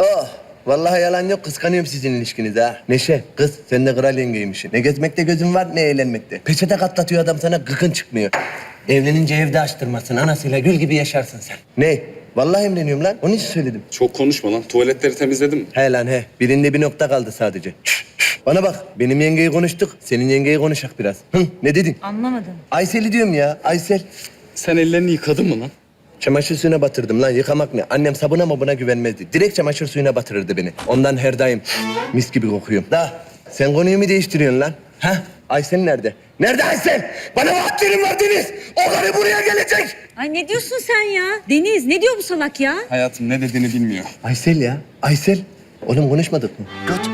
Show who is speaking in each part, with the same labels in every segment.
Speaker 1: Oh, vallahi yalan yok, kıskanıyorum sizin ilişkinizi ha. Neşe, kız sen de kral yengeymişsin. Ne gezmekte gözün var, ne eğlenmekte. Peçete katlatıyor adam sana, gıkın çıkmıyor. Evlenince evde açtırmasın, anasıyla gül gibi yaşarsın sen. Ne? Vallahi emreniyorum lan, onun için söyledim.
Speaker 2: Çok konuşma lan. Tuvaletleri temizledin mi?
Speaker 1: He lan he, birinde bir nokta kaldı sadece. Bana bak, benim yengeyi konuştuk, senin yengeyi konuşak biraz. Hı, ne dedin?
Speaker 3: Anlamadım.
Speaker 1: Aysel'i diyorum ya, Aysel.
Speaker 2: Sen ellerini yıkadın mı lan?
Speaker 1: Çamaşır suyuna batırdım lan, yıkamak ne? Annem sabuna mabuna güvenmezdi. Direkt çamaşır suyuna batırırdı beni. Ondan her daim mis gibi kokuyorum. Da sen konuyu mu değiştiriyorsun lan? Ha? Aysel nerede? Nerede Aysel? Bana vaatlerim var Deniz. O karı buraya gelecek.
Speaker 3: Ay ne diyorsun sen ya? Deniz ne diyor bu salak ya?
Speaker 2: Hayatım ne dediğini bilmiyor.
Speaker 1: Aysel ya, Aysel. Oğlum konuşmadık mı? Göt.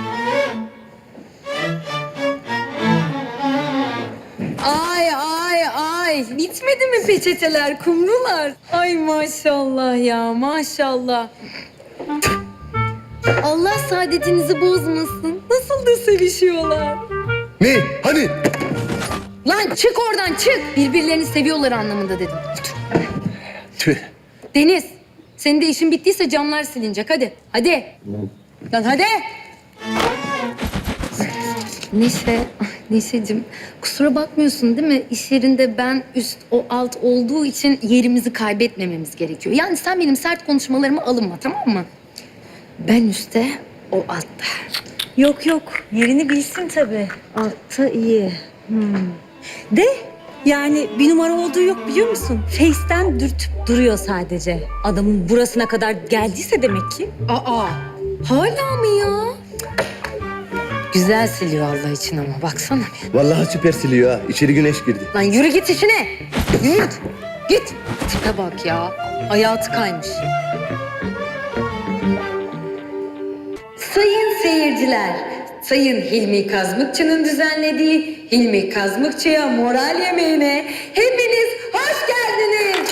Speaker 4: Ay, bitmedi mi peçeteler, kumrular? Ay maşallah ya, maşallah. Allah saadetinizi bozmasın. Nasıl da sevişiyorlar.
Speaker 1: Ne? Hani?
Speaker 4: Lan çık oradan, çık. Birbirlerini seviyorlar anlamında dedim.
Speaker 1: Tüh.
Speaker 4: Deniz, senin de işin bittiyse camlar silinecek. Hadi, hadi. Lan hadi. Neşeciğim, kusura bakmıyorsun değil mi? İş yerinde ben üst, o alt olduğu için yerimizi kaybetmememiz gerekiyor. Yani sen benim sert konuşmalarıma alınma, tamam mı? Ben üstte, o altta.
Speaker 3: Yok yok yerini bilsin tabii. Altta iyi. De yani bir numara olduğu yok biliyor musun? Face'ten dürtüp duruyor sadece. Adamın burasına kadar geldiyse demek ki.
Speaker 4: Aa, hala mı ya? Güzel siliyor Allah için ama baksana bir.
Speaker 1: Vallahi süper siliyor ha. İçeri güneş girdi.
Speaker 4: Lan yürü git işine. Yürü git. Git. Tipe bak ya. Hayatı kaymış. Sayın seyirciler, Sayın Hilmi Kazmıkçı'nın düzenlediği Hilmi Kazmıkçı'ya moral yemeğine hepiniz hoş geldiniz.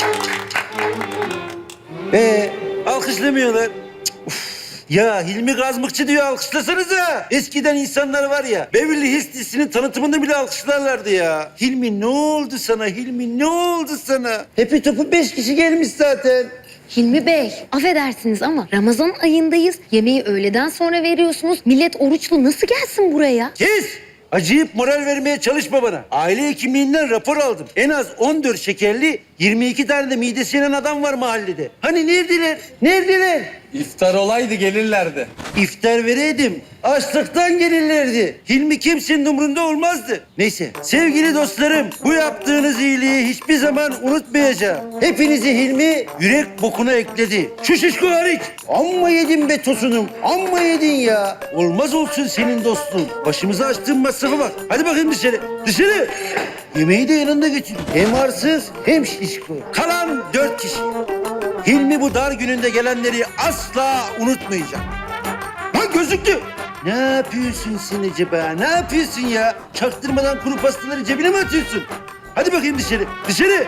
Speaker 5: Alkışlamıyorlar. Uf. Ya Hilmi Kazmıkçı diyor, alkışlasanıza. Eskiden insanlar var ya, Beverly Hills dizisinin tanıtımında bile alkışlarlardı ya. Hilmi ne oldu sana? Hilmi ne oldu sana? Hepi topu 5 kişi gelmiş zaten.
Speaker 4: Hilmi Bey, affedersiniz ama Ramazan ayındayız. Yemeği öğleden sonra veriyorsunuz. Millet oruçlu nasıl gelsin buraya?
Speaker 5: Kes! Acıyıp moral vermeye çalışma bana. Aile hekimliğinden rapor aldım. En az 14 şekerli, 22 tane de midesi yanan adam var mahallede. Hani neredeler? Neredeler?
Speaker 2: İftar olaydı gelirlerdi.
Speaker 5: İftar vereydim. Açlıktan gelirlerdi. Hilmi kimsenin umrunda olmazdı. Neyse, sevgili dostlarım, bu yaptığınız iyiliği hiçbir zaman unutmayacağım. Hepinizi Hilmi yürek bokuna ekledi. Şu şişko hariç. Amma yedin be tosunum, amma yedin ya. Olmaz olsun senin dostluğun. Başımıza açtığın masrafa bak. Hadi bakayım dışarı. Dışarı. Yemeği de yanında götür. Hem arsız hem şişko. Kalan 4 kişi. Hilmi bu dar gününde gelenleri asla unutmayacak. Lan gözüktü. Ne yapıyorsun sen acaba? Ne yapıyorsun ya? Çaktırmadan kuru pastaları cebine mi atıyorsun? Hadi bakayım dışarı. Dışarı.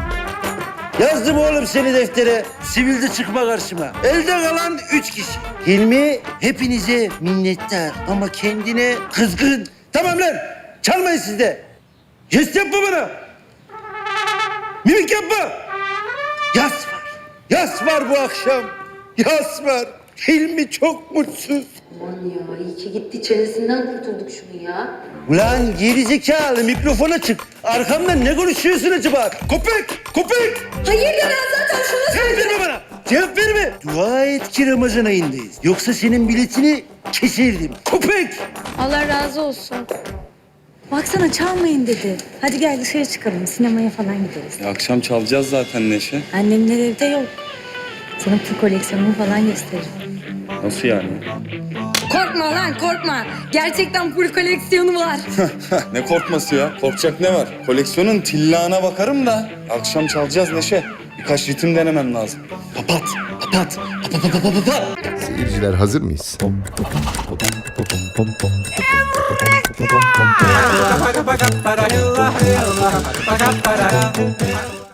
Speaker 5: Yazdım oğlum seni deftere. Sivilde çıkma karşıma. Elde kalan 3 kişi. Hilmi hepinize minnettar ama kendine kızgın. Tamam lan. Çalmayın siz de. Jest yapma bana. Mimik yapma. Yas var. Yas var bu akşam. Yas var. Hilmi çok mutsuz.
Speaker 4: Aman ya, iyi ki gitti. Çenesinden kurtulduk şunu ya.
Speaker 5: Ulan gerizekalı, mikrofona çık. Arkamdan ne konuşuyorsun acaba? Köpek! Köpek!
Speaker 4: Hayır ya, ben zaten şunu
Speaker 5: Cevap verme bana! Cevap verme! Dua et ki Ramazan ayındayız. Yoksa senin biletini keserdim. Köpek!
Speaker 4: Allah razı olsun.
Speaker 3: Baksana çalmayın dedi. Hadi gel dışarı çıkalım sinemaya falan gideriz.
Speaker 2: Akşam çalacağız zaten Neşe.
Speaker 3: Annemler evde yok. Sana pul koleksiyonumu falan gösteririm.
Speaker 2: Nasıl yani?
Speaker 4: Korkma lan, korkma. Gerçekten full koleksiyonu var.
Speaker 2: Ne korkması ya? Korkacak ne var? Koleksiyonun tillağına bakarım da. Akşam çalacağız Neşe. Birkaç ritim denemem lazım.
Speaker 5: Papat! Papat! Papat!
Speaker 6: Seyirciler hazır mıyız?